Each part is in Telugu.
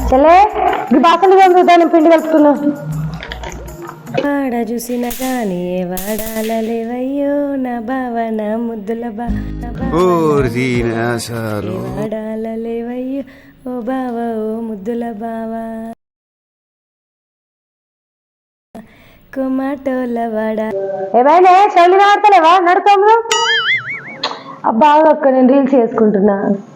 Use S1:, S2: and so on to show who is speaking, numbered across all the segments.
S1: చెల్లే ఈ బాసలు కలుగుతాను పిండి కలుపుతున్నా.
S2: వాడ చూసిన కానీ వాడాలలేవయ్యో నా భావన ముద్దుల వాడాలలేవయ్యో ఓ బావ ఓ ముద్దుల బావా కొమాటోల వాడ.
S1: ఏమైనా చెల్లి వాడతలేవా నడుతాము. అబ్బా అక్క నేను రీల్స్ చేసుకుంటున్నా.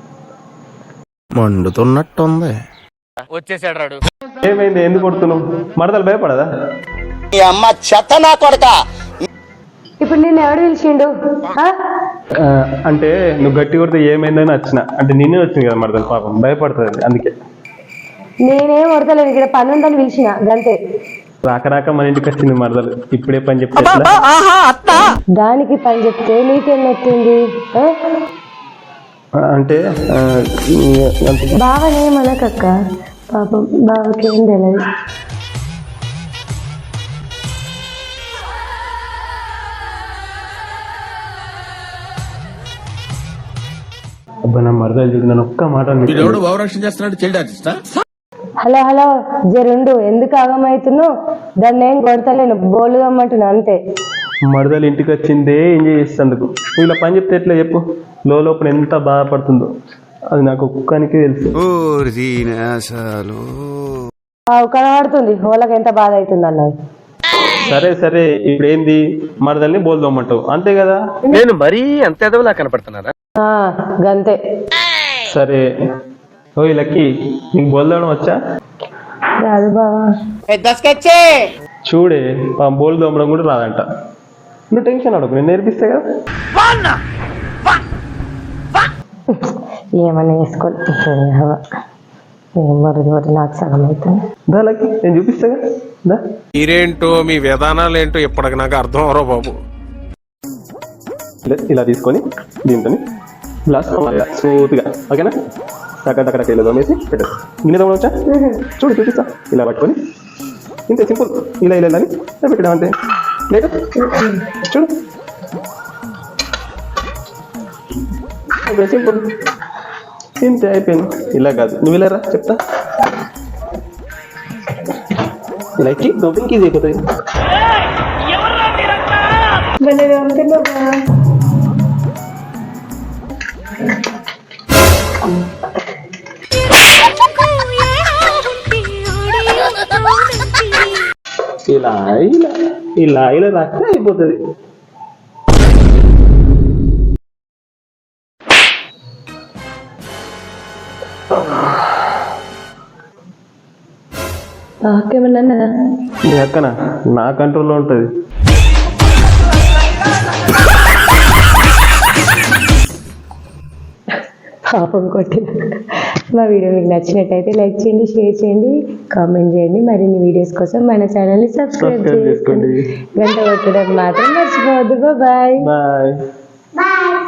S3: మండుతున్నట్టుంది.
S4: వచ్చేసాడు రాడు.
S5: ఏమైంది? ఎందుకు కొడుతున్నావు? మరదలు భయపడదా?
S6: అమ్మ చెత్త నా కొడక.
S1: ఇప్పుడు నిన్ను ఎవడు పిలిచిండు?
S5: అంటే నువ్వు గట్టి కొడితే ఏమైందని వచ్చిన, అంటే నేనే వచ్చింది కదా మరదలు, పాపం భయపడుతుంది అందుకే.
S1: నేనేం కొడతలేను, ఇక్కడ పని ఉందని పిలిచిన గంతే.
S5: రాక రాక మన ఇంటికి వచ్చింది మరదలు, ఇప్పుడే పని చెప్తే
S1: దానికి పని చెప్తే నీకేం నచ్చింది?
S5: అంటే
S1: బావనేమనకక్క, పాపం బావకేం తెలియదు.
S5: అబ్బా నా మరదలు చూడు, నన్ను ఒక్క మాట
S1: హలో హలో జరుండు, ఎందుకు ఆగమవుతున్నావు? దాన్ని ఏం కొడతలేను, బోలుగమ్మంటున్నా అంతే.
S5: మరదలు ఇంటికి వచ్చిందే ఎంజాయ్ చేసేందుకు, ఇలా పని చెప్తే ఎట్లా చెప్పు? లోపల ఎంత బాధపడుతుందో అది నాకు ఒక్కనికి తెలుసు.
S1: కనబడుతుంది వాళ్ళకి ఎంత బాధ అవుతుంది అన్నది.
S5: సరే సరే, ఇప్పుడు ఏంది? మరదల్ని బోల్దోమంటావు అంతే కదా?
S4: నేను మరీ అంత ఎదవలా కనపడుతున్నారా?
S1: గంతే.
S5: సరే ఓ లక్కీ, నీకు బోల్దోవడం వచ్చా?
S1: రాదు బావా.
S5: చూడే బోల్ దోమడం కూడా రాదంట. నువ్వు టెన్షన్ అడగకు, నేను నేర్పిస్తే కదా.
S1: ఏమన్నా వేసుకోవాలి నాకు సగం అవుతుంది.
S5: దా లక్కీ, నేను చూపిస్తా కదా.
S3: మీరేంటో మీ విధానాలు ఏంటో ఇప్పటికి నాకు అర్థం అవరో బాబు.
S5: ఇలా తీసుకొని దీంతో గ్లాస్ స్మూత్గా, ఓకేనా? అక్కడ వెళ్ళదు వేసి పెట్టు. గిన్నె తోమడం వచ్చా? చూడు చూపిస్తా. ఇలా పట్టుకొని ఇంతే, సింపుల్. ఇలా ఇలా అని పెట్టడం అంతే. లేక చూడు, సింపుల్, ఇంతే అయిపోయింది. ఇలా కాదు, నువ్వు ఇలా రా చెప్తా. ఇలా ఎక్కి దోపింగ్ ఈజీ అయిపోతుంది. ఇలా ఇలా ఇలా ఇలా రాస్తే అయిపోతుంది.
S1: ఏమన్నా
S5: నీ అక్కన నా కంట్రోల్లో ఉంటుంది.
S1: పాపం కొట్టిన. మా వీడియో మీకు నచ్చినట్టయితే లైక్ చేయండి, షేర్ చేయండి, కామెంట్ చేయండి. మరిన్ని వీడియోస్ కోసం మన ఛానల్ని సబ్స్క్రైబ్ చేసుకోండి. గంట కొట్టడం మాత్రం మర్చిపోవద్దు. Bye
S5: bye.